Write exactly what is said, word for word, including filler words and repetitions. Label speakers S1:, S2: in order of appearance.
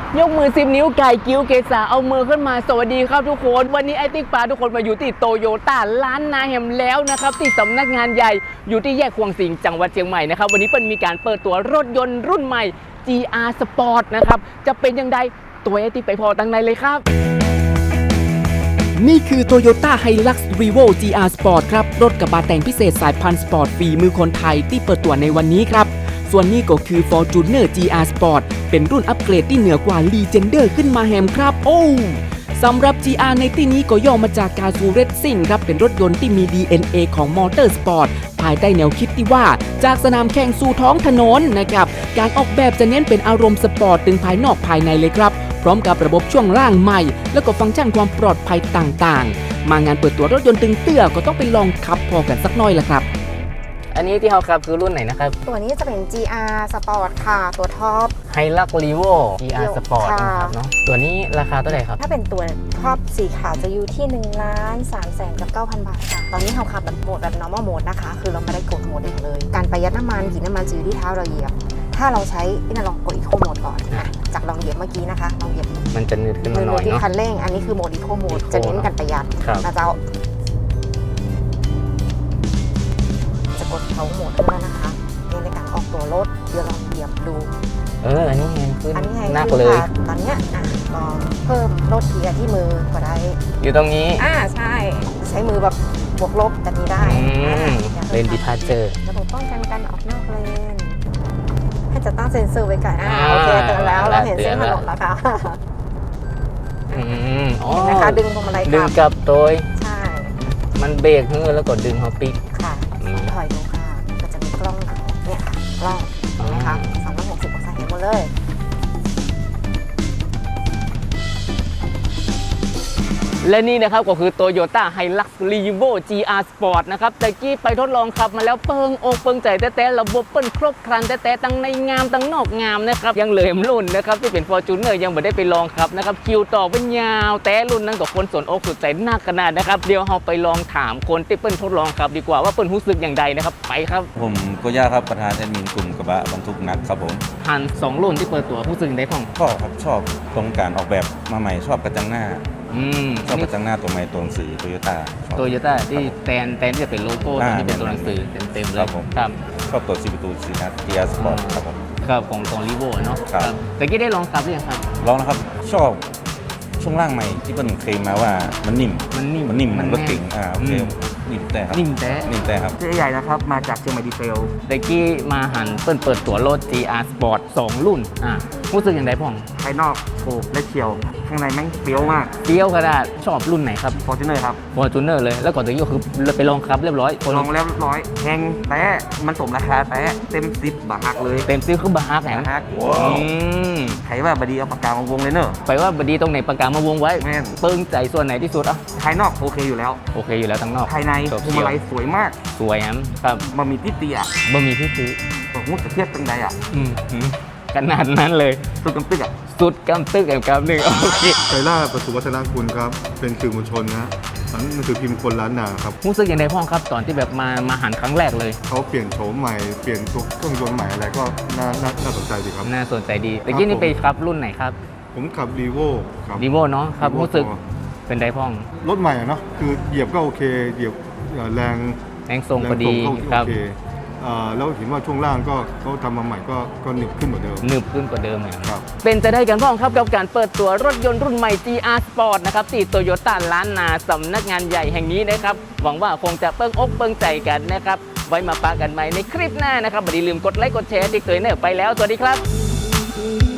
S1: ยกมือสิบนิ้วไก่กิ้วเกษาเอามือขึ้นมาสวัสดีครับทุกคนวันนี้ไอติ๊กปาทุกคนมาอยู่ที่โตโยต้าล้านนาแฮมแล้วนะครับที่สำนักงานใหญ่อยู่ที่แยกควงสิงจังหวัดเชียงใหม่นะครับวันนี้เปิ้ลมีการเปิดตัวรถยนต์รุ่นใหม่ จี อาร์ Sport นะครับจะเป็นยังไงตัวไอติ๊กไปพอตั้งในเลยครับนี่คือ Toyota Hilux Revo จี อาร์ Sport ครับรถกระบะแต่งพิเศษสายพันธุ์สปอร์ตฝีมือคนไทยที่เปิดตัวในวันนี้ครับส่วนนี้ก็คือ Fortuner จี อาร์ Sport เป็นรุ่นอัปเกรดที่เหนือกว่า Legender ขึ้นมาแฮมครับโอ้สำหรับ จี อาร์ ในที่นี้ก็ย่อมาจากการซูเรซซิ่งครับเป็นรถยนต์ที่มี ดี เอ็น เอ ของมอเตอร์สปอร์ตภายใต้แนวคิดที่ว่าจากสนามแข่งสู่ท้องถนนนะครับการออกแบบจะเน้นเป็นอารมณ์สปอร์ตถึงภายนอกภายในเลยครับพร้อมกับระบบช่วงล่างใหม่แล้วก็ฟังก์ชันความปลอดภัยต่างๆมางานเปิดตัวรถยนต์ตึงเตื้อก็ต้องไปลองขับพอกันสักหน่อยละครับอันนี้ที่เขาขับคือรุ่นไหนนะครับ
S2: ตัวนี้จะเป็น จี อาร์ Sport ค่ะตัวท็อป
S1: Hilux Revo จี อาร์ Sport นะครับเนาะตัวนี้ราคาเท่าไหร่ครับ
S2: ถ้าเป็นตัวท็อปสีขาวจะอยู่ที่หนึ่งล้านสามแสนกับเก้าพันบาทค่ะตอนนี้เราขับแบบโหมดแบบ normal mode นะคะคือเราไม่ได้กดโหมดเลยการประหยัดน้ำมันกินน้ำมันจะอยู่ที่เท้าเราเหยียบถ้าเราใช้นี่ลองกดอีโคโหมดก่อนจากลองเหยียบเมื่อกี้นะคะลองเหยียบ
S1: มันจะนืดขึ้นมาหน่อยเนาะ
S2: ที่คันเร่งอันนี้คือโหมดอีโคโหมดจะเน้นการประหยัดนะเจ้ากดเขาโหมดขึ้นแล้วนะคะในการออกตัวรถเดี๋ยวลองเหยียบดู
S1: เอออันนี้แฮงขึ้นหนักเลย
S2: ตอนนี้อ่ะลองเพิ่มรถเกียร์ที่มือก็ได้
S1: อยู่ตรงนี้
S2: อ่าใช่ใช้มือแบบบวกลบแบบนี้ได้
S1: เลนดิพาร์เจอร์
S2: ระบบป้องกันการออกนอกเลนให้จะตั้งเซ็นเซอร์ไว้ก่อนอ่าโอเคเตือนแล้วเราเห็นเส้นถนนแล้วค่ะ
S1: อืมอ๋อ
S2: นะคะดึงพวงมาลัย
S1: ดึงกับตัว
S2: ใช่
S1: มันเบรกเนื้อแล้วก็ดึงฮอปปี้
S2: ค่ะถอยดูค่ะก็จะมีกล้องเนี่ยค่ะกล้องนะคะสามร้อยหกสิบองศาเห็นหมดเลย
S1: และนี่นะครับก็คือ Toyota Hilux Revo จี อาร์ Sport นะครับแต่กี้ไปทดลองขับมาแล้วเปิงอกเปิงใจแต้ๆระบบเปิ้ลครบครันแต้ๆตั้งในงามตั้งนอกงามนะครับยังเหลือรุ่นนะครับที่เป็น Fortuner ยังไม่ได้ไปลองครับนะครับคิวต่อเป็นยาวแต่รุ่นนั้นกับคนสนอกสนใจนักขนาดนะครับเดี๋ยวเราไปลองถามคนที่เปิ้ลทดลองครับดีกว่าว่าเปิ้ลรู้สึกอย่างไรนะครับไปครับ
S3: ผมโกย่าครับประธานแอดมินกลุ่มกระบะบรรทุกนักครับผม
S1: หันสองรุ่นที่เปิดตัวรู้สึกได้ของ
S3: ก็ครับชอบตรงการออกแบบมาใหม่ชอบกระจังหน้า
S1: อืม
S3: ชอบกระจังหน้าตัวใหม่ตัวหนังสือโตโยต้า
S1: โตโยต้าที่แทนแทนที่จะเป็นโลโก้ที่เป็นตัวหนังสือเต็มๆเลย
S3: ครับชอบตัวซีประตูสีนัด จี อาร์ Sport ครับผม
S1: ครับของของรีโวเนาะครับแต่กี้ได้ลองขับหรือยังครับ
S3: ลองนะครับชอบช่วงล่างใหม่ที่เปิ้ลเคลมมาว่ามันนิ่ม
S1: มันนิ่ม
S3: มันนิ่มมันรถเก่งอ่าโอเคนิ่มแต่ครับ
S1: นิ่มแต่
S3: นิ่มแต่ครับ
S4: เจ๊ใหญ่นะครับมาจากเชียงใหม่ดีเซล
S1: แต่กี้มาหันเปิ้ลเปิดตัวรถ จี อาร์ Sport สองรุ่นอ่ารู้สึกอย่างไรพ่อง
S4: ภายนอกโฉบและเฉียวข้างในแม่งเปรี้ยวมาก
S1: เปรี้ยวขนาดชอบรุ่นไหนครับ
S4: Fortuner ครับ
S1: Fortuner เลยแล้วก่อนตัวนี้ก็คือไปลองขับเรียบร้อย
S4: ลองแล้วเรียบร้อยแพงแต่มันสมราคาแต่เต็มสิบบาทเลย
S1: เต็มซิคือบาฮักแหม
S4: ใครว่าบดีเอาปากกามาวงเลยเนอะ
S1: ไปว่าบดีตรงไหนปากกามาวงไว้เปิ้งใจส่วนไหนที่สุดอ่ะ
S4: ภายนอกโอเคอยู่แล้ว
S1: โอเคอยู่แล้วทั้งนอก
S4: ภายในพวงมาลัยสวยมาก
S1: สวยครับ
S4: บะหมี่ที่เตี้ย
S1: บะหมี่ที่ซื้อ
S4: บอกว่าจะเทียบตั้งใดอ่ะ
S1: ขนาดนั้นเลย
S4: สุดกำตึกอ่ะ
S1: สุดกำตึกแอบกำหนึ่งโอเค
S5: ไกล่าประสุวัฒนคุณครับเป็นสื่อมวลชนนะนั่นคือพิมพ์คนล้านนาครับ
S1: รู้สึกอย่างไรพ่อครับตอนที่แบบมามาหันครั้งแรกเลย
S5: เขาเปลี่ยนโฉมใหม่เปลี่ยนตัวเครื่องยนต์ใหม่อะไรก็น่าน่าสนใจดีครับ
S1: น่าสนใจดีแต่กี้นี่ไปครับรุ่นไหนครับ
S5: ผมขับรีโวครับ
S1: รีโวเนาะครับรู้สึกเป็นไดพ่อง
S5: รถใหม่เนาะคือเหยียบก็โอเคเหยียบแรง
S1: แรงทรงพอดีครับ
S5: แล้วเห็นว่าช่วงล่างก็เขาทำมาใหม่ก็ก็หนึบขึ้นกว่าเดิม
S1: หนึบขึ้นกว่าเดิมเลยครับเป็นจะได้กันพ่องครับกับการเปิดตัวรถยนต์รุ่นใหม่ จี อาร์ Sport นะครับที่โตโยต้าล้านนาสำนักงานใหญ่แห่งนี้นะครับหวังว่าคงจะเปิ้งอกเปิ้งใจกันนะครับไว้มาปะกันใหม่ในคลิปหน้านะครับอย่าลืมกดไลค์กดแชร์ที่เคยเนอไปแล้วสวัสดีครับ